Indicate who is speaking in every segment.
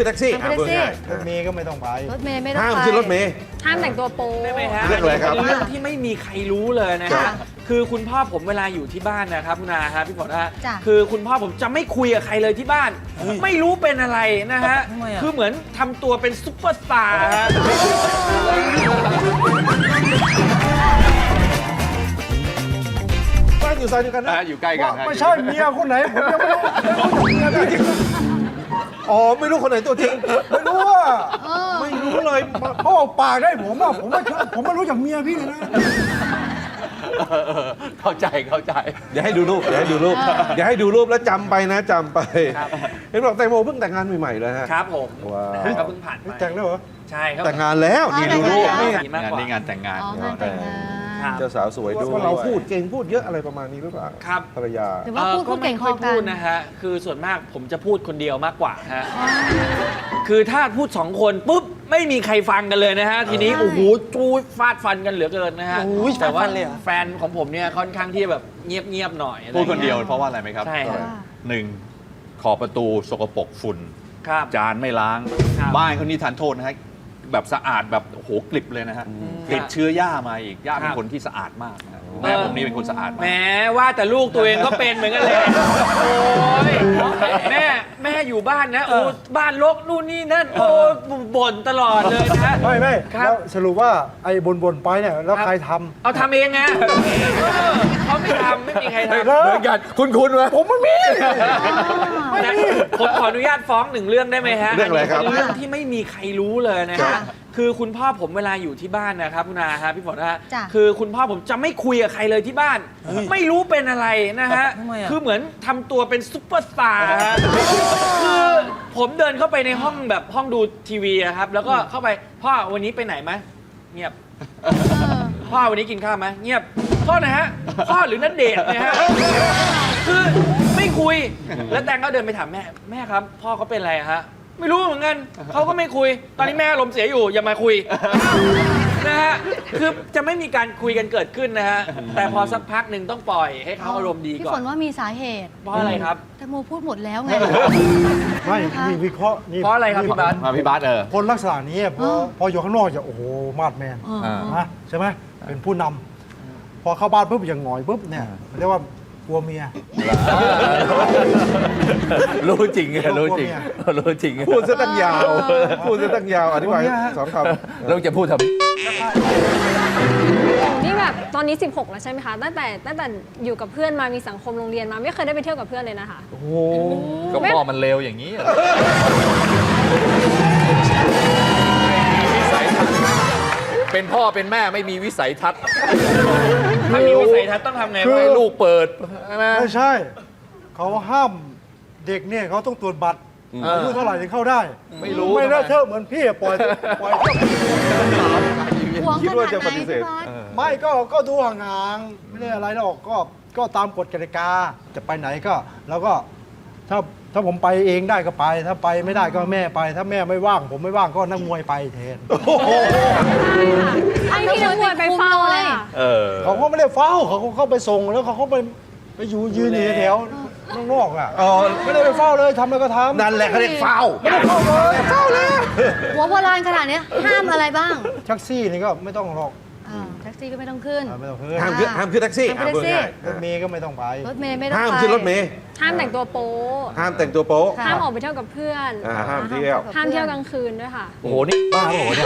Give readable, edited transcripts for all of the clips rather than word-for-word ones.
Speaker 1: ขึ้นแท็กซี่
Speaker 2: ห้ามขึ้นแท็กซี่
Speaker 3: รถเมย์ก็ไม่ต้องไป
Speaker 2: รถเมย์ไม่ต้อง
Speaker 1: ห้าม
Speaker 2: ไป
Speaker 1: ขึ้นรถเมย์
Speaker 4: ห้ามแต่งตัวโป๊
Speaker 5: ได้ไหมฮะ
Speaker 1: เรื่องอะไรครับ
Speaker 5: เป็นเรื่องที่ไม่มีใครรู้เลยนะ
Speaker 1: ครั
Speaker 5: ฮะ
Speaker 1: บ
Speaker 5: คือคุณพ่อผมเวลาอยู่ที่บ้านนะครับคุณอาครับพี่ฝนฮะ
Speaker 2: จ้ะ
Speaker 5: คือคุณพ่อผมจะไม่คุยกับใครเลยที่บ้าน ไม่รู้เป็นอะไรนะฮะ
Speaker 3: ทำไมอะ
Speaker 5: คือเหมือนทำตัวเป็นซุปเปอร์สตาร์ฮะ
Speaker 1: บ้านอยู่ซอยเดียวกันนะ
Speaker 6: อยู่ใกล้กันฮะ
Speaker 3: ไม่ใช่เมียคนไหนผมยังไม่รู้เมียพี่จริง
Speaker 1: อ๋อไม่รู้คนไหนตัวจริง
Speaker 3: ไม่รู้ว่า
Speaker 1: ไม่รู้เลย
Speaker 3: เขาออกปากได้ผมอ่ะผมไม่รู้จากเมียพี่เลยนะ
Speaker 6: เข้าใจ
Speaker 1: เดี๋ยวให้ดูรูปเดี๋ยวให้ดูรูปเดี๋ยวให้ดูรูปแล้วจำไปนะจำไปเห็นบอกแตงโมเพิ่งแต่งงานใหม่ๆเลยฮะ
Speaker 5: ครับผม
Speaker 1: ว้าว
Speaker 5: นะฮะก็เพิ่งผ่านไป
Speaker 3: แต่งแล้วเหรอ
Speaker 5: ใช่ครับ
Speaker 1: แต่งงานแล้วนี่ดูรูป
Speaker 2: อ๋อ
Speaker 1: นี่
Speaker 2: แต่งงานแล้ว
Speaker 5: มาก
Speaker 6: งาน
Speaker 5: กว่า
Speaker 6: นี้งานแต่งงาน
Speaker 2: อ๋องานแต่งงาน
Speaker 5: ครับ
Speaker 1: เจ้าสาวสวยด้วยว่าเราพูดเก่งพูดเยอะอะไรประมาณนี้หรือเปล่า
Speaker 5: ครับ
Speaker 1: ภรรยา
Speaker 2: หรือว่าพูดเก่งพอ
Speaker 5: ไม่
Speaker 2: กั
Speaker 5: พูด
Speaker 2: น
Speaker 5: นะฮะ คือส่วนมากผมจะพูดคนเดียวมากกว่าฮะ คือถ้าพูดสองคนปุ๊บไม่มีใครฟังกันเลยนะฮะ ทีนี้โอ้โหจูดฟาดฟันกันเหลือเกินนะฮะ แต่ว่าแฟนของผมเนี่ยค่อนข้างที่แบบเงียบๆหน่อยอะไร
Speaker 6: พูดคนเดียว
Speaker 5: งี้
Speaker 6: เพราะว่าอะไรไหมครับ
Speaker 5: ใช่ครับ
Speaker 6: หนึ่งขอบประตูสกปรกฝุ่น
Speaker 5: ครับ
Speaker 6: จานไม่ล้าง
Speaker 5: ครับ
Speaker 6: บ้านเขานี่ทานโทษนะฮะแบบสะอาดแบบโอ้โหกลิบเลยนะฮะติดเชื้อย่ามาอีกย่าเป็นคนที่สะอาดมากนะฮะแม่ผมนี่เป็นคนสะอาด
Speaker 5: แห
Speaker 6: มาม ก
Speaker 5: ว่าแต่ลูกตัวเองก็เป็นเหมือนกันเลย โอ้ยแม่อยู่บ้านนะ โอ้บ้านรกนู่นนี่นั่น โอ้บ่นตลอดเลยนะ
Speaker 3: ไม่
Speaker 5: ครับ
Speaker 3: แล้วสรุปว่าไอ้บนไปเนี่ยแล้วใครท
Speaker 5: เอาทำเองไงเขาไม่ทำไม่มีใครทำ
Speaker 3: ำ
Speaker 1: เหมือนกันคุณไหม
Speaker 3: ผมไม่มี
Speaker 5: นะผมขออนุญาตฟ้องหนึ่งเรื่องได้ไหมฮะ
Speaker 1: เรื่องอะไรครับ
Speaker 5: เป็นเรื่องที่ไม่มีใครรู้เลยนะ
Speaker 1: ครั
Speaker 5: ฮะ
Speaker 1: บ
Speaker 5: คือคุณพ่อผมเวลาอยู่ที่บ้านนะครับคุณอาฮะพี่ฝนฮะ
Speaker 2: จ้ะ
Speaker 5: คือคุณพ่อผมจะไม่คุยกับใครเลยที่บ้าน ไม่รู้เป็นอะไรนะฮะ คือเหมือนทำตัวเป็นซุปเปอร์สตาร์ฮะคือผมเดินเข้าไปในห้องแบบห้องดูทีวีอะครับ แล้วก็เข้าไปพ่อวันนี้ไปไหนไหมเงียบ พ่อวันนี้กินข้าวไหมเงียบพ่อนะฮะพ่อหรือนัดเดทเนี่ยฮะคือไม่คุยแล้วแตงก็เดินไปถามแม่ครับพ่อเขาเป็นอะไรอะฮะไม่รู้เหมือนกันเขาก็ไม่คุย ตอนนี้แม่อารมณ์เสียอยู่อย่ามาคุยนะฮะคือจะไม่มีการคุยกันเกิดขึ้นนะฮะแต่พอสักพักหนึ่งต้องปล่อยให้เขาอารมณ์ดี
Speaker 2: พี่
Speaker 5: ก่
Speaker 2: ฝ
Speaker 5: อน
Speaker 2: นว่ามีสาเหตุ
Speaker 5: เพราะอะไรครับ
Speaker 2: แตงโมพูดหมดแล้วไง
Speaker 3: ไม่มีวิเคราะห์นี่
Speaker 5: เพราะอะไรครับพี่บาส
Speaker 6: มาพี่บาส
Speaker 3: คนลักษณะนี้พออยู่ข้างนอกจะโอ้โหมาดแมน นะใช่ไหมเป็นผู้นำพอเข้าบ้านปุ๊บอย่างหงอยปุ๊บเนี่ยเรียกว่ากลัวเมีย
Speaker 6: รู้จริงรู้จริงรู้จริง
Speaker 1: พูดซะตั้งยาวพูดซะตั้งยาวอธิบายสองคำ
Speaker 6: เราจะพูดทำ
Speaker 4: นี่แบบตอนนี้ 16 แล้วใช่ไหมคะ ตั้งแต่อยู่กับเพื่อนมามีสังคมโรงเรียนมาไม่เคยได้ไปเที่ยวกับเพื่อนเลยนะคะ
Speaker 3: โอ้โห
Speaker 6: ก็พ่อมันเลวอย่างนี้เป็นพ่อเป็นแม่ไม่มีวิสัยทัศน์
Speaker 5: ถ้ามีวิสัยทัศน์ต้องทำไง
Speaker 3: คือ
Speaker 5: วะ
Speaker 6: ให้ลูกเปิดใช่ไหม
Speaker 3: ไม่ใช่ เขาห้ามเด็กเนี่ยเขาต้องตรวจบัตรอายุเท่าไหร่ถึงเข้าได้
Speaker 6: ไม่รู้
Speaker 3: ไม่ได้เท่าเหมือนพี่ปล่อยเที่ยว
Speaker 2: หวง
Speaker 1: คิด
Speaker 2: ข
Speaker 1: ว่า
Speaker 2: นาด
Speaker 1: จะ
Speaker 2: ไห
Speaker 1: ป
Speaker 2: น
Speaker 1: ฏิเสธ
Speaker 2: พี่บาส
Speaker 3: ไม่ก็ดูห่างๆไม่ได้อะไรหรอกก็ตามกฎกติกาจะไปไหนก็แล้วก็ถ้าผมไปเองได้ก็ไป ถ้าไปไม่ได้ก็แม่ไป ถ้าแม่ไม่ว่าง ผมไม่ว่างก็นักมวยไปแทน
Speaker 4: ไอ้ที่นักมวยไปเฝ้าเลยอะ
Speaker 3: เขาก็ไม่ได้เฝ้าเขาก็เข้าไปส่งแล้วเขาก็ไปอยู่ยืนอยู่แถวๆนอกๆอ่ะ
Speaker 1: อ๋อ
Speaker 3: ไม่ได้ไปเฝ้าเลยทำอะไรก็ทำ
Speaker 1: นั่นแหละเขาเรียกฟาว
Speaker 3: ไม่ได้เฝ้าเลยเฝ้าเลย
Speaker 2: หัวโบราณขนาดเนี้ยห้ามอะไรบ้าง
Speaker 3: แท็กซี่นี่ก็ไม่ต้องหรอก
Speaker 2: แท็กซี่ก็ไม่ต้องขึ้น
Speaker 3: ไม่ต้องขึ้น
Speaker 1: ห้ามขึ้นแท็กซี่
Speaker 2: ห้ามขึ้นแท็กซี่
Speaker 3: รถเมย์ก็ไม่ต้องไป
Speaker 2: รถเมย์ไม่ต้อง
Speaker 1: ห้าม
Speaker 2: ไป
Speaker 1: ขึ้นรถเมย์
Speaker 4: ห้ามแต่งตัวโป๊
Speaker 1: ห้ามแต่งตัวโป๊ะ
Speaker 2: ค่ะ
Speaker 4: ห้ามออกไปเที่ยวกับเพื่อน
Speaker 1: ห้ามเที่ยว
Speaker 4: ห้ามเที่ยวกลางคืนด้วยค่ะ
Speaker 6: โอ้โหนี่บ้าโอ้โหเนี่ย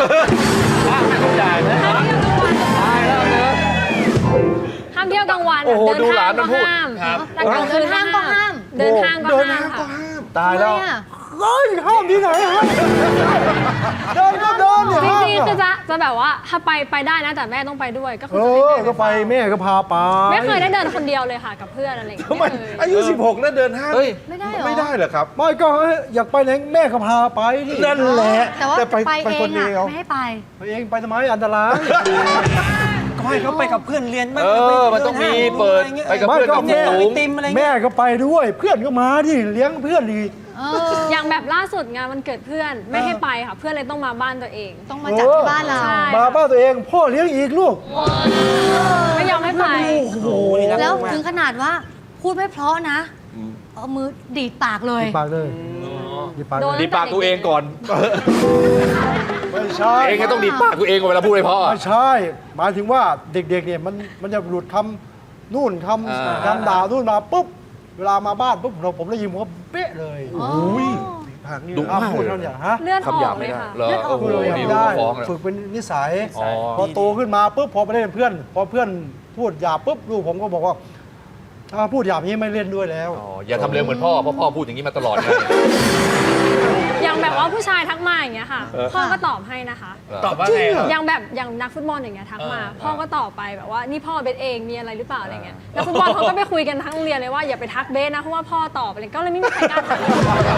Speaker 4: ห้ามเที่ยวกลางวัน
Speaker 6: โอ้โห
Speaker 4: เดิน
Speaker 6: ดูหลา
Speaker 4: ห้าน ง
Speaker 6: มั
Speaker 4: ก็
Speaker 6: นพูด
Speaker 4: ห้าม
Speaker 5: ครับ
Speaker 4: แต่กลางคืน
Speaker 2: เดินห้างก็ห้าม
Speaker 4: เดินห้างก็
Speaker 1: เดิน
Speaker 4: ห้า
Speaker 1: ห้าม งก็
Speaker 4: ค่ะ
Speaker 1: ห้าม
Speaker 3: ตายแล้ว
Speaker 2: ทำไมอะ
Speaker 3: เฮ้ยห้ามที่ไหนห้ามเดินก็เดินเนี่ย
Speaker 4: จ
Speaker 3: ห้าม
Speaker 4: ริงๆคือ
Speaker 3: อะ
Speaker 4: จะแบบว่าถ้าไปได้นะแต่แม่ต้องไปด้วยก็คือ
Speaker 3: ก็ไปแม่ก็พาไป
Speaker 4: ไม่เคยได้เดินคนเดียวเลยค่ะกับเพื่อนอะไรอย่างเงี้ย
Speaker 1: ทำไม
Speaker 4: ไม่เคย
Speaker 1: อายุ 16 แล้วเดินห้าง
Speaker 6: เฮ้ย
Speaker 2: ไม่ได้เหรอ
Speaker 1: ไม่ได้เหรอครับ
Speaker 3: ไม่ก็อยากไปไหนแม่ก็พาไปดิ
Speaker 1: นั่นแหละ
Speaker 2: แต่ว่า
Speaker 1: แต่
Speaker 2: ไป
Speaker 1: ไป
Speaker 2: เอ
Speaker 1: ค
Speaker 2: ง
Speaker 1: นเดี
Speaker 2: อะ
Speaker 1: ยว
Speaker 2: ไม่ให้ไป
Speaker 3: ไปเองไปทำไมอันตราย
Speaker 7: ก็ให้เขาไปกับเพื่อนเรียนบ้าง
Speaker 6: มันต้องมีเปิดไปกับ
Speaker 3: ไม่
Speaker 6: เพื่อน
Speaker 3: ก็
Speaker 6: กับ
Speaker 3: แม่
Speaker 6: ฝูง
Speaker 7: ติมอะไร
Speaker 3: แม่ก็ไปด้วย เพื่อนก็มาดิเลี้ยงเพื่อนดี
Speaker 4: อย่างแบบล่าสุดงานวันเกิดเพื่อนไม่ให้ไปค่ะ เพื่อนเลยต้องมาบ้านตัวเอง
Speaker 2: ต้องมาจัดที่บ้านเรา
Speaker 4: ใช่
Speaker 3: มาบ้านตัวเอง พ่อเลี้ยงอีกลูก
Speaker 4: ไม่ยอมให้ไป
Speaker 3: โอ้โห
Speaker 2: แล้วถึงขนาดว่าพูดไม่เพราะนะ เอามือดีดปากเลย
Speaker 3: ปากเลย
Speaker 4: โดน
Speaker 6: ดีดปากตัวเองก่อน
Speaker 3: ไม่ใช่
Speaker 6: เองก็ต้องดีดปากตัวเองก่อนเวลาพูดให้พ่อ
Speaker 3: ไม่ใช่ หมายถึงว่าเด็กๆเนี่ยมันจะหลุดคำนู่นคำด่านู่นมาปุ๊บเวลามาบ้านปุ๊บผมได้ยินผมก็เป๊ะเลย
Speaker 1: อุ้ยผากนี่
Speaker 6: ดุ
Speaker 3: อ้าว
Speaker 6: มาก
Speaker 3: พูด
Speaker 6: เลย
Speaker 3: เท่านี้ฮะ
Speaker 4: เลือดอ
Speaker 6: คำหยา
Speaker 4: อบ กเล
Speaker 6: ไม่
Speaker 4: ย
Speaker 6: ได้
Speaker 4: ค่ะ
Speaker 6: เหรอโอ้โห
Speaker 3: พูดเลย
Speaker 6: นี่
Speaker 3: ไม่ได้
Speaker 6: ฟ้องเลย
Speaker 3: ฝึกเป็นนิสัย
Speaker 6: อ๋อ
Speaker 3: พอโตขึ้นมาปุ๊บพอไปเล่นกับเพื่อน พอเพื่อนพูดหยาบปุ๊บลูกผมก็บอกว่าถ้าพูดหยาบนี้ไม่เล่นด้วยแล้ว
Speaker 6: อ๋ออย่าทำเร็วเหมือนพ่อเพราะพ่อพูดอย่างนี้มาตลอดเลย
Speaker 4: อย่างแบบว่าผู้ชายทักมาอย่างเงี้ยค่ะ พ่อก็ตอบให้นะคะ
Speaker 5: ตอบว่าไงครับ
Speaker 4: อย่างนักฟุตบอลอย่างเงี้ยทักมา พ่อก็ตอบไปแบบว่านี่พ่อเบสเองมีอะไรหรือเปล่าอะไรเงี้ยนักฟุตบอลเขาก็ไปคุยกันทั้งโรงเรียนเลยว่าอย่าไปทักเบสนะเพราะว่าพ่อตอบอะไรก็เลยไม่มีใครกล้าทัก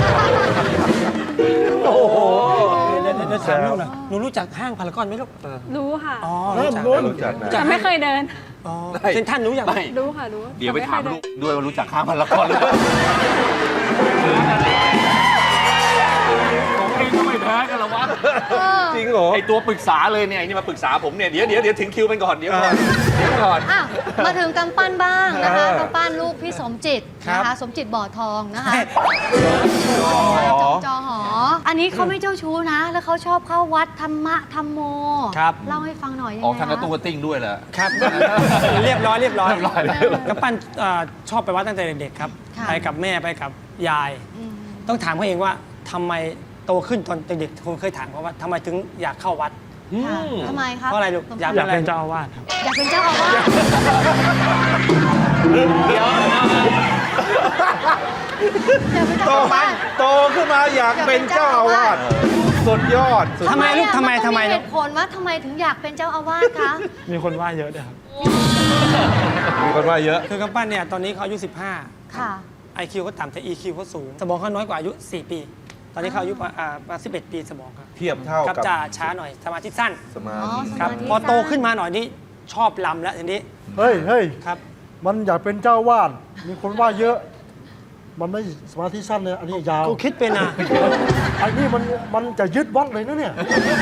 Speaker 3: โอ้โห
Speaker 7: เดี๋ยวถามลูกหน่อยหนูรู้จักห้างพารากอนไหมลูก
Speaker 4: รู้ค่ะ
Speaker 7: อ๋อ
Speaker 3: เริ่ม
Speaker 7: รู้จัก
Speaker 3: รู้
Speaker 1: รู้จักนะ
Speaker 4: แต่ไม่เคยเดิน
Speaker 7: อ๋อเซนทรันรู้อย่างไหม
Speaker 6: ไม่
Speaker 4: รู้ค่ะรู้
Speaker 6: เดี๋ยวไปถาม
Speaker 4: แต่
Speaker 6: ลู
Speaker 4: ม่
Speaker 6: ก
Speaker 4: เคยเดิน
Speaker 6: ด้วยว่ารู้จักข้ามพารากอนหรือเปล่าผมเองก็ไม่แพ้กันหรอวะ
Speaker 1: จริงเหรอ
Speaker 6: ไอตัวปรึกษาเลยเนี่ยไอ้นี่มาปรึกษาผมเนี่ยเดี๋ยวถึงคิวมันก่อนเดี๋ยวก่อน
Speaker 2: อ่ะมาถึงกำปั้นบ้างนะคะกำปั้นลูกพี่สมจิตนะคะสมจิตบ่อทองนะคะจอหอ อันนี้เขาไม่เจ้าชู้นะ แล้วเขาชอบเข้าวัดธรรมะธรรมโม
Speaker 7: ครับ
Speaker 2: เล่าให้ฟังหน่อยยัง
Speaker 6: ออก
Speaker 2: ไง
Speaker 6: ทางกระตุ้งกระติ้งด้วยเหรอ
Speaker 7: ครับ เรียบร้อย
Speaker 6: เลย
Speaker 7: กำปั้นชอบไปวัดตั้งแต่เด็กๆครับ ไปกับแม่ไปกับยาย
Speaker 2: อืม
Speaker 7: ต้องถามเขาเองว่าทำไมโตขึ้นตอนเด็กๆผมเคยถามเขาว่าทำไมถึงอยากเข้าวัด
Speaker 2: ค่ะทำไมครับ
Speaker 7: เพราะอะไรลูกอยากเป็นเจ้าอาวาส
Speaker 2: อยากเป็นเจ้าอาวาส
Speaker 5: เดี๋ยว
Speaker 2: อยากเป็น
Speaker 1: โต
Speaker 2: เจ้าอาวาส
Speaker 1: โตขึ้นมาอยากเป็นเจ้าอาวาสสุดยอดสุด
Speaker 7: ทำไมลูกทำไม
Speaker 2: นต้อง
Speaker 7: ลู
Speaker 2: เห
Speaker 7: ก
Speaker 2: ตุผลว่าทำไมถึงอยากเป็นเจ้าอาวาสคะ
Speaker 7: มีคนว่าเยอะด้วยครับ
Speaker 1: มีคนว่าเยอะ
Speaker 7: คือกำปั้นเนี่ยตอนนี้เขาอายุ
Speaker 2: ค่ะ
Speaker 7: 15 IQ เขาต่ำแต่ EQ เขาสูง สมองเขาน้อยกว่าอายุ 4 ปี ตอนนี้เขาอายุมา11 ปีสมองครับ
Speaker 1: เทียบเท่า
Speaker 7: ครับ
Speaker 1: กับ
Speaker 7: จะช้าหน่อยสมาธิสั้น
Speaker 1: สมา
Speaker 2: อ๋อ
Speaker 1: ธิ
Speaker 2: ส
Speaker 7: ครับ
Speaker 2: มาธิ
Speaker 7: พอโต
Speaker 2: สั้น
Speaker 7: ขึ้นมาหน่อยนี่ชอบลำแล้วทีนี้
Speaker 3: เฮ้ย
Speaker 7: ครับ
Speaker 3: มันอยากเป็นเจ้าวาดมีคนว่าเยอะ มันไม่สมาธิสั้นเลยอันนี้ยาว
Speaker 7: กูคิดเป็นนะ
Speaker 3: อันนี้มันจะยึดวัดเลยนะเนี่ย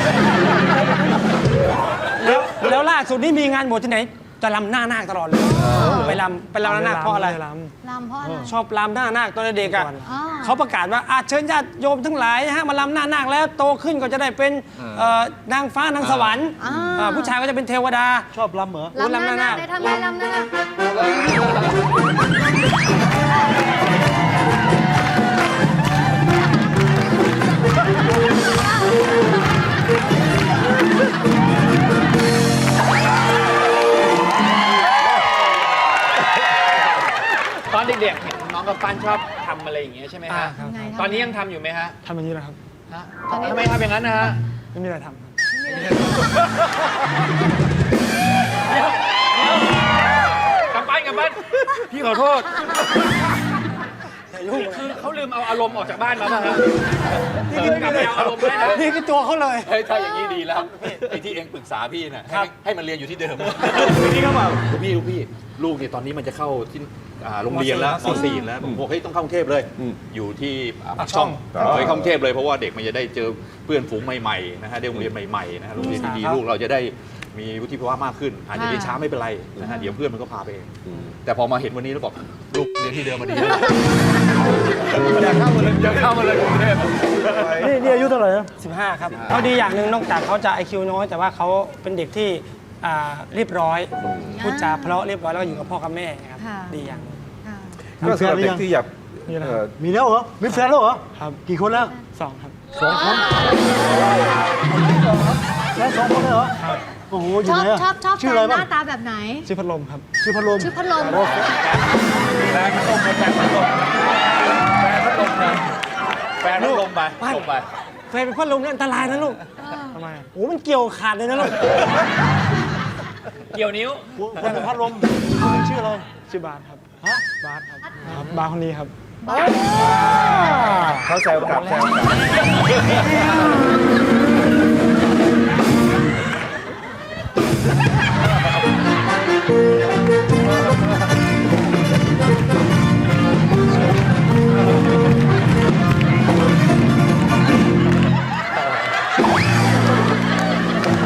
Speaker 7: แล้วล่าสุดนี่มีงานบวชที่ไหนจะลำหน้านาคตลอดเลยไปลำหน้านาคเพราะอะไร
Speaker 2: ลำเพราะอะไร
Speaker 7: ชอบลำหน้านาคตอนเด็กอ่ะ
Speaker 2: อ๋อ
Speaker 7: เขาประกาศว่าเชิญญาติโยมทั้งหลายฮะมาลำหน้านาคแล้วโตขึ้นก็จะได้เป็นนางฟ้านางสวรรค์ผู้ชายก็จะเป็นเทวดา
Speaker 3: ชอบลำเหรอ
Speaker 2: ลำหน้าหน้าได้ทำไมลำหน้าหน้า
Speaker 5: ตอนเด็กๆเห็นน้องกับปั้นชอบทำอะไรอย่างเงี้ยใช่ไหมฮะ
Speaker 7: ครับ
Speaker 2: ไง
Speaker 5: ตอนนี้ยังทำอยู่ไหมฮะ
Speaker 7: ทำอย่างนี้แหละครับ
Speaker 5: ฮะทำไมทำอย่างนั้นนะฮะ
Speaker 7: ไม่มีอะไรทำครับ
Speaker 5: กำปั้นพี่ขอโทษคือเขาลืมเอาอารมณ์ออกจากบ้านมาป่ะฮะนี่คือกลับไปเอาอารมณ์ได้นะ
Speaker 7: นี่คือตัวเขาเลย
Speaker 6: เฮ้ยถ้าอย่างนี้ดีแล้วไอ้ที่เองปรึกษาพี่น่ะให้มันเรียนอยู่ที่เดิม
Speaker 1: นี่เขาบอก
Speaker 6: ลูกพี่ลูกเนี่ยตอนนี้มันจะเข้าที่โรงเรียนแล้วม .4 แล้วผมบอกเฮ้ยต้องเข้ากรุงเทพเลย อยู่ที่ปากช่องเคยเข้ากรุงเทพเลยเพราะว่าเด็กมันจะได้เจอเพื่อนฝูงใหม่ๆนะฮะได้โรงเรียนใหม่ๆนะฮะโรงเรียนดีๆลูกเราจะได้มีวุฒิภาวะมากขึ้น อาจจะเรียนช้าไม่เป็นไรนะฮะเดี๋ยวเพื่อนมันก็พาไปเองแต่พอมาเห็นวันนี้แล้วบอกลูกเรียนที่เดิมมาดีแล้วอยากเข้ามาเลยกรุงเทพ
Speaker 3: นี่อายุเท่าไหร่นะ
Speaker 7: 15 ครับเขาดีอย่างหนึ่งนอกจากเขาจะ IQ น้อย แต่ว่าเขาเป็นเด็กที่เรียบร้อยพูดจาเพราะเรียบร้อยแล้วก็อยู่กับพ่อกับแม่ครับ
Speaker 2: ค่ะ
Speaker 7: ดีอย่างหนึ่ง
Speaker 2: ค่ะ
Speaker 1: ก็สำหรับเด็กที่อยาก
Speaker 7: นี่แหละ
Speaker 3: มีแล้วเหรอ มีแฟนแล้วเหรอ
Speaker 7: ครับ
Speaker 3: กี่คนแล้ว
Speaker 7: 2 ครับ
Speaker 3: 2 คนแล้ว2 คนเลยเหรอโอ้โหอ
Speaker 2: ช
Speaker 3: ยู่
Speaker 2: อบ
Speaker 3: ไหนอะ
Speaker 2: ชอบ
Speaker 3: ชื่อ
Speaker 2: แฟ
Speaker 3: อะไร
Speaker 2: นห
Speaker 3: บ้าง
Speaker 2: น้าตาแบบไหน
Speaker 7: ชื่อพัดลมครับ
Speaker 3: ชื่อพัดลม
Speaker 2: ชื่อพัดลม
Speaker 3: โอ้
Speaker 6: แฟนพัดลมลงไป
Speaker 7: แฟนเป็นพัดลมนี่อันตรายนะลูกทำไมโอ้มันเกี่ยวขาดเลยนะลูก
Speaker 5: เกี่ยวนิ้ว
Speaker 3: คนเป็นพัดลมชื่ออะไร
Speaker 7: ชื่อบาสครับบาสครับบาสคนนี้ครับ
Speaker 1: เขาแซวกลับแซวกลับ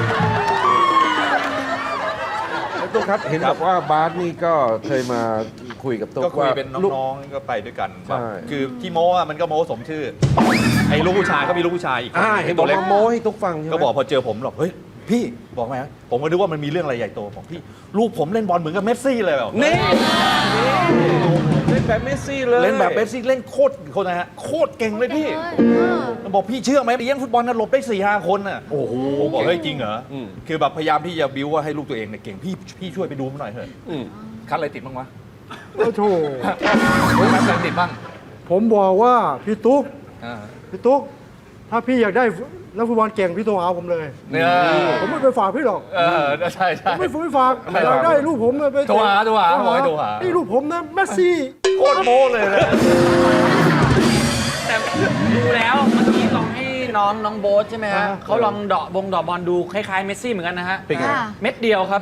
Speaker 1: ตุ๊กครับเห็นบอกว่าบาสนี่ก็เคยมาคุยกับตุ๊ก
Speaker 6: ก็คุย
Speaker 1: ว่า
Speaker 6: เป็น
Speaker 1: ลูก
Speaker 6: น้องๆก็ไปด้วยกัน
Speaker 1: ใช่
Speaker 6: คือที่โม้อะมันก็โม้สมชื่อ ไอ้ลูกผู้ชายก็มีลูกผู้ชายอีกคน
Speaker 1: เห็นบ
Speaker 6: ตั
Speaker 1: อก
Speaker 6: วเล็ก
Speaker 1: ว่าโม้ให้ตุ๊กฟังใช่ไหม
Speaker 6: ก็บอกพอเจอผมหรอกเฮ้ยพี่บอกไหมผมก็นึกว่ามันมีเรื่องอะไรใหญ่โตบอกพี่ลูกผมเล่นบอลเหมือนกับเมสซี่เลยแบบ
Speaker 1: นี่เล่นแบบเมสซี่เลย
Speaker 6: เล่นแบบเมสซี่เล่นโคตรคนนะฮะโคตรเก่งเลยพี่บอกพี่เชื่อไหมเลี้ยงฟุตบอลน่ะหลบได้4-5 คนน่ะโอ้โหบอกเฮ้ยจริงเหรออคือแบบพยายามที่จะบิ้วว่าให้ลูกตัวเองเนี่ยเก่งพี่ช่วยไปดูมันหน่อยเถอะ
Speaker 1: อืม
Speaker 6: คัดอะไรติดบ้างวะ
Speaker 3: โอ้โห
Speaker 6: คัดอะไรติดบ้าง
Speaker 3: ผมบอกว่าพี่ตุ๊ก
Speaker 6: อ่า
Speaker 3: พี่ตุ๊กถ้าพี่อยากได้นักฟุตบอลเก่งพี่โทรหาผมเลย
Speaker 6: เนี่ย
Speaker 3: ผมไม่ไปฝากพี่หรอก
Speaker 6: ใช่ใช่
Speaker 3: ผมไม่ฝากอยากได้ลูกผมไป
Speaker 6: โทรหาบอกให้โทรหา
Speaker 3: นี่ลูกผมนะเมสซี่
Speaker 6: โคตรโม้เลยนะ
Speaker 5: แต่ดูแล้วเมื่อกี้ลองให้น้องโบ๊ทใช่ไหมฮะเขาลองเดาะบอลดูคล้ายๆเมสซี่เหมือนกันนะฮะ
Speaker 1: เป็นไง
Speaker 2: ค่ะ
Speaker 5: เม็ดเดียวครับ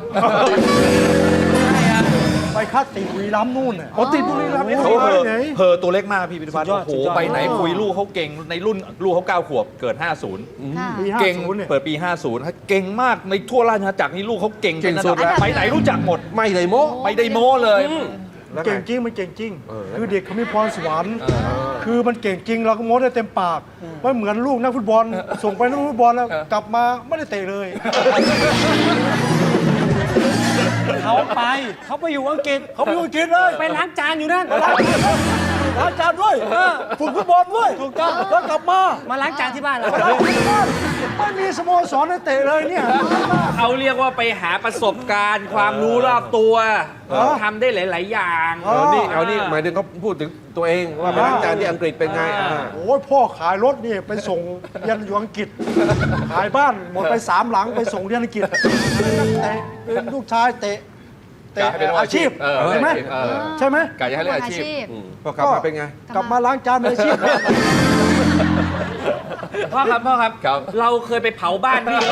Speaker 3: ไปคัดติดบุรีรัมย์นู่นน่ะ
Speaker 1: อ๋อติดบุรีรัมย์
Speaker 6: เขา
Speaker 3: ไป
Speaker 6: เหอะ
Speaker 3: ไหน
Speaker 6: เพอตัวเล็กมากพี่พิธภัณฑ์
Speaker 7: สุดยอด
Speaker 6: โอ้โห
Speaker 7: สุดยอด
Speaker 6: ไปไหนคุยลูกเขาเก่งในรุ่นลูกเขา9 ขวบเกิด 50
Speaker 2: ค่ะ
Speaker 3: ปี
Speaker 6: เก่ง
Speaker 3: 50เนี่ย
Speaker 6: เปิดปี 50ฮะเก่งมากในทั่วราชอาณาจักรนี่ลูกเขาเก่ง
Speaker 1: เก่ง
Speaker 6: ป็นระ
Speaker 1: สุ
Speaker 6: ดั
Speaker 1: ดแล้ว
Speaker 6: ไปไหนรู้จักหมด
Speaker 1: ไม่เลยโม้
Speaker 6: ไม่ได้โม้เลย
Speaker 1: แล้วไง
Speaker 3: เก่งจริงมันเก่งจริง
Speaker 1: เออ
Speaker 3: คือเด็กเขามีพรสวรรค์คือมันเก่งจริงเราก็โม้ได้เต็มปากว่าเหมือนลูกนักฟุตบอลส่งไปนักฟุตบอลแล้วกลับมาไม่ได้เตะเลย
Speaker 7: เขาไปอยู่อังกฤษ
Speaker 3: เขาไปอยู่อังกฤษเลย
Speaker 7: ไปล้างจานอยู่นั่น
Speaker 3: ล้างจานด้วยฝึกฟุตบอลด้วย
Speaker 7: ถูกต้อง
Speaker 3: แล้วกลับมา
Speaker 7: มาล้างจานที่บ้านเรา
Speaker 3: ไม่มีสโมสรให้เตะเลยเนี่ย
Speaker 5: เขาเรียกว่าไปหาประสบการณ์ ความรู้รอบตัวทำได้หลาย ๆ อย่าง
Speaker 3: อ๋อ
Speaker 1: เอานี่หมายถึงเขาพูดถึงตัวเองว่าไปล้างจานที่อังกฤษเป็นไง
Speaker 3: โอ้ยพ่อขายรถนี่ไปส่งเรียนอยู่อังกฤษ ขายบ้านหมดไป3 หลังไปส่งเรียนอังกฤษเตะเป็นลูกชายเตะ
Speaker 6: ให้เป็น
Speaker 3: อาชีพ
Speaker 6: อาชีพ
Speaker 3: ใช่ไหม
Speaker 6: เออ
Speaker 3: ใช่ไหม
Speaker 6: กายจะให้เล่นอาชีพ
Speaker 1: พอกลับมาเป็นไง
Speaker 3: กลับมาล้างจานเป็นอาชีพ
Speaker 5: พ่อครับ
Speaker 6: ครับ
Speaker 5: เราเคยไปเผาบ้านพี่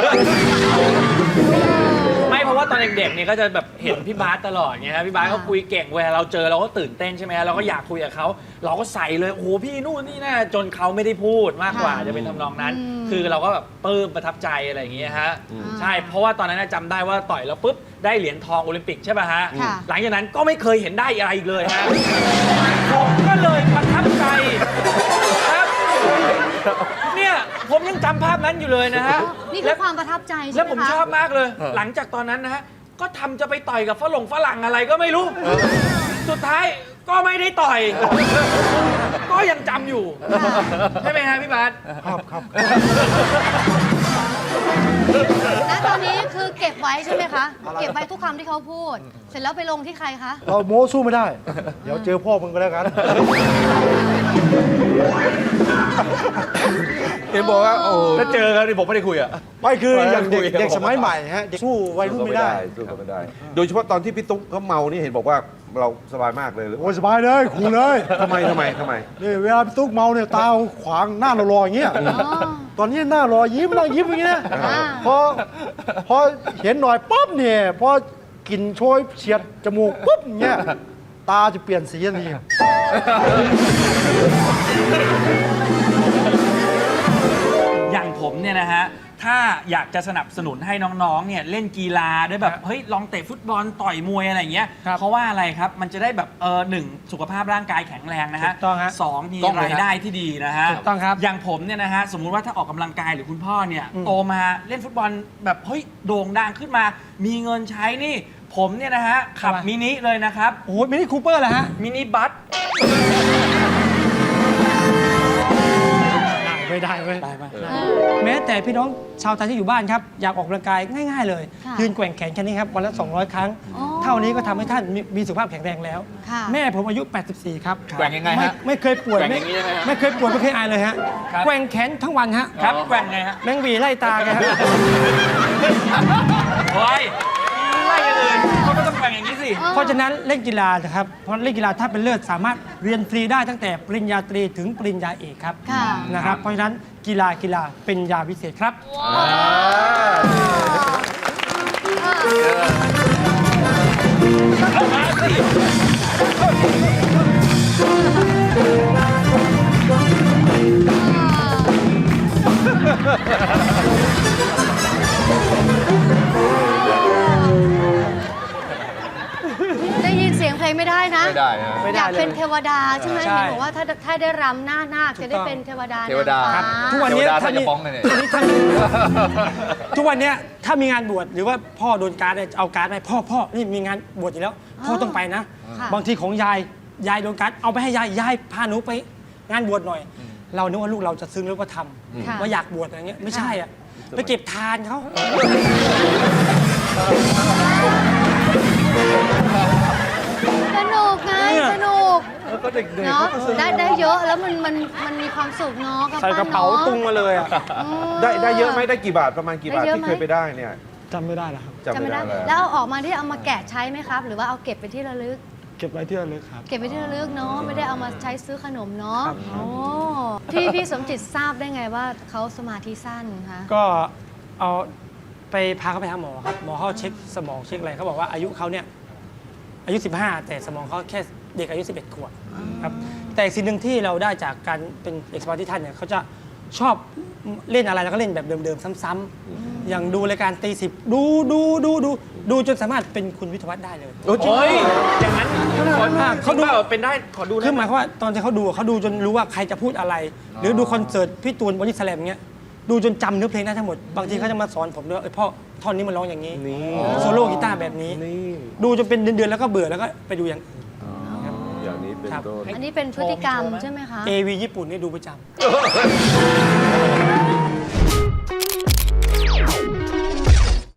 Speaker 5: ไม่เพราะว่าตอนเด็กๆเนี่ยก็จะแบบเห็นพี่บาสตลอดไงครับพี่บาสเขาคุยเก่งเวลาเราเจอเราก็ตื่นเต้นใช่ไหมเราก็อยากคุยกับเขาเราก็ใส่เลยโอ้โหพี่นู่นนี่น่าจนเขาไม่ได้พูดมากกว่าจะเป็นทำนองนั้น คือเราก็แบบปลื้มประทับใจอะไรอย่างเงี้ยฮะใช่เพราะว่าตอนนั้นจำได้ว่าต่อยแล้วปุ๊บได้เหรียญทองโอลิมปิกใช่ป่ะฮะ
Speaker 2: ค่ะ
Speaker 5: หลังจากนั้นก็ไม่เคยเห็นได้อะไรอีกเลยฮะผมก็เลยประทับใจครับเนี่ยผมยังจำภาพนั้นอยู่เลยนะฮะ
Speaker 2: นี่คือความประทับใจใช่ไหมคะ
Speaker 5: แล้วผมชอบมากเลย หลังจากตอนนั้นนะฮะ ก็ทำจะไปต่อยกับฝรั่งอะไรก็ไม่รู้ สุดท้ายก็ไม่ได้ต่อย ก็ยังจำอยู่ ใช่ไหมฮะพี่บาส
Speaker 3: ครับ
Speaker 2: และตอนนี้คือเก็บไว้ใช่ไหมคะ เก็บไว้ทุกคำที่เขาพูด เสร็จแล้วไปลงที่ใครคะ
Speaker 3: เราโม้สู้ไม่ได้ เดี๋ยวเจอพ่อมึงก็แล้วกัน
Speaker 1: เห็นบอกว่าโอ้
Speaker 6: ถ้าเจอกันนี่ผมไม่ได้คุยอ่ะ
Speaker 3: ไม่คืออย่างเด็ก
Speaker 6: คุยกับ
Speaker 3: เด็กสมัยใหม่ฮะเด็กสู้วัยรุ่นไม่ได้
Speaker 1: สู้กันไม่ได้ โดยเฉพาะตอนที่พี่ตุ๊กเขาเมานี่เห็นบอกว่าเราสบายมากเลย
Speaker 3: โอ้ยสบายเลยคูลเลย
Speaker 1: ทำไม
Speaker 3: นี่เวลาพี่ตุ๊กเมาเนี่ยตาขวางหน้าเรารออย่างเงี้ย ตอนนี้หน้ารอยิ้มนั่งยิ้มอย่างเงี้ย
Speaker 2: อ่า
Speaker 3: พอเห็นหน่อยปั๊บเนี่ยพอกลิ่นโชยเฉียดจมูกปุ๊บอย่างเงี้ยตาจะเปลี่ยนสีทันที
Speaker 5: อย่างผมเนี่ยนะฮะ ถ้าอยากจะสนับสนุนให้น้องๆ เนี่ยเล่นกีฬาด้วยแบบ เฮ้ย ลองเตะฟุตบอลต่อยมวยอะไรอย่างเงี้ย เพราะว่าอะไรครับ มันจะได้แบบหนึ่งสุขภาพร่างกายแข็งแรงนะฮะ
Speaker 7: ถูกต้องฮะ
Speaker 5: สองมี
Speaker 6: ต้องเลย
Speaker 5: รายได้ที่ดีนะฮะ
Speaker 7: ถูกต้องครับ
Speaker 5: อย่างผมเนี่ยนะฮะ สมมุติว่าถ้าออกกำลังกายหรือคุณพ่อเนี่ย โตมาเล่นฟุตบอลแบบเฮ้ยโด่งดังขึ้นมา มีเงินใช้นี่ ผมเนี่ยนะฮะขับ
Speaker 7: ทำไม
Speaker 5: มินิเลยนะครับ
Speaker 7: โอ้โหมินิคูเปอร์เหรอฮะ
Speaker 5: มินิบัส
Speaker 7: ไม่ได้เว้ย
Speaker 5: ได้ไหม
Speaker 7: แม้แต่พี่น้องชาวไทยที่อยู่บ้านครับ อยากออกกำลังกายง่าย ๆ เลย
Speaker 2: ค่ะ
Speaker 7: ยืนแกว่งแขนแค่นี้ครับ วันละ 200 ครั้ง
Speaker 2: อ๋อ
Speaker 7: เท่านี้ก็ทำให้ท่านมีสุขภาพแข็งแรงแล้ว
Speaker 2: ค่ะ
Speaker 7: แม่ผมอายุ 84 ครับ
Speaker 6: แกว่งยังไงฮะ
Speaker 7: ไม่เคยป่วย
Speaker 6: แกว่งอย่างนี้ใช่ไหมฮะ
Speaker 7: ไม่เคยป่วยไม่เคยอายเลยฮะ
Speaker 5: ครับ
Speaker 7: แกว่งแขนทั้งวันฮะ
Speaker 5: ครับแกว่งไงฮะ
Speaker 7: แมงหวีไล่ตาแกฮะ
Speaker 5: เฮ้ยไล่กันอื่นเขาก็ต้องแกว่งอย่างนี้สิ
Speaker 7: เพราะฉะนั้นเล่นกีฬานะครับ เพราะเล่นกีฬาถ้าเป็นเลิศสามารถเรียนฟรีได้ตั้งแต่ปริญญาตรีถึงปริญญาเอกครับ
Speaker 2: ค่ะ
Speaker 7: นะครับ เพราะฉะนั้นกีฬาเป็นยาวิเศษครับ
Speaker 5: เอามาสิ
Speaker 2: ได้ยินเสียงเพลลงไม่ได้นะ
Speaker 6: ไม่ได้นะ
Speaker 7: ไม่
Speaker 2: อ
Speaker 7: ได้
Speaker 2: ยาก
Speaker 7: เลย
Speaker 2: เป็นเทวดาใช่ไหม
Speaker 7: ใช่
Speaker 2: เห็นบอกว่าถ้าได้รำหน้านาคจะได้เป็นเทวดา
Speaker 6: เทวดา
Speaker 2: นางฟ้า
Speaker 7: ทุกวันนี้
Speaker 6: เทวดา
Speaker 7: ถ้า
Speaker 6: ถ้า
Speaker 7: มี
Speaker 6: จะฟ้องเลยเนี่ย
Speaker 7: ทุกวันเนี้ยถ้ามีงานบวชหรือว่าพ่อโดนการ์ดเนี่ยเอาการ์ดไปพ่อนี่มีงานบวชอยู่แล้วพ่อต้องไปนะ
Speaker 2: ค่ะ
Speaker 7: บางทีของยายโดนการ์ดเอาไปให้ยายพาหนูไปงานบวชหน่อย เรานึกว่าลูกเราจะซึ้งแล้วก็ท
Speaker 2: ค่ะ
Speaker 7: ำว่าอยากบวชอะไรเงี้ยไม่ใช่อ่ะไปเก็บทานเขา
Speaker 2: สนุกไง
Speaker 7: เนี่ย
Speaker 2: สนุก
Speaker 1: แล้วก็เด็กๆ
Speaker 2: เนาะ
Speaker 1: เขาก็สนุก
Speaker 2: ได้เยอะแล้วมันมีความสุขเนาะ
Speaker 7: ใส่กระเป๋า
Speaker 2: ปั้นน
Speaker 7: ตุงมาเลยอ่ะ
Speaker 2: อืม
Speaker 1: ได้เยอะไหมได้กี่บาทประมาณกี่บาท
Speaker 2: ได้เยอะ
Speaker 1: ที่
Speaker 2: ไหม
Speaker 1: เคยไปได้เนี่ย
Speaker 7: จำไม่ได้แล้วครับ
Speaker 1: จำ
Speaker 2: จำ
Speaker 1: ไม่
Speaker 2: ไม่
Speaker 1: ได้
Speaker 2: ได้
Speaker 1: แล้ว
Speaker 2: แล้วเอาออกมาที่เอามาแกะใช้ไหมครับ หรือว่าเอาเก็บไปที่ระลึก
Speaker 7: เก็บไว้ที่ระลึกครับ
Speaker 2: เก็บไปที่ระลึกเนาะไม่ได้เอามาใช้ซื้อขนมเนาะ
Speaker 7: ครับ
Speaker 2: โอ้พี่สมจิตทราบได้ไงว่าเขาสมาธิสั้นคะ
Speaker 7: ก็เอาไปพาเขาไปหาหมอครับหมอเขาเช็คสมองเช็คอะไรเขาบอกว่าอายุเขาเนี่ยอายุ 15 แต่สมองเขาแค่เด็กอายุ 11 ขวบครับแต่สิ่งหนึ่งที่เราได้จากการเป็นเอกสปาร์ติท่านเนี่ยเขาจะชอบเล่นอะไรแล้วก็เล่นแบบเดิมๆซ้ำๆอย่างดูรายการตีสิบดูจนสามารถเป็นคุณวิทยาวัฒน์ได้เลย
Speaker 1: โอ้จริง
Speaker 5: โอ้ยอย่างนั้นขอ
Speaker 7: เขาดู
Speaker 5: จริงปล่เป็นได้ขอดู
Speaker 7: คือ
Speaker 5: นะ
Speaker 7: หมายความว่าตอนที่เขาดูจนรู้ว่าใครจะพูดอะไร หรือดูคอนเสิร์ตพี่ตูนบอดี้สแลมเงี้ยดูจนจำเนื้อเพลงได้ทั้งหมด บางทีเขาจะมาสอนผมด้วยพ่อท่อนนี้มันร้องอย่างนี้
Speaker 1: นี่
Speaker 7: โซโล่กีตาร์แบบนี้
Speaker 1: นี่
Speaker 7: ดูจนเป็นเดือนๆแล้วก็เบื่อแล้วก็ไปดูอย่าง
Speaker 1: อย่างนี้เป็น
Speaker 7: ครับ
Speaker 1: ต้น
Speaker 2: อันนี้เป็นพฤติกรรมใช่ไหมคะ
Speaker 7: AV ญี่ปุ่นนี่ดูประจำ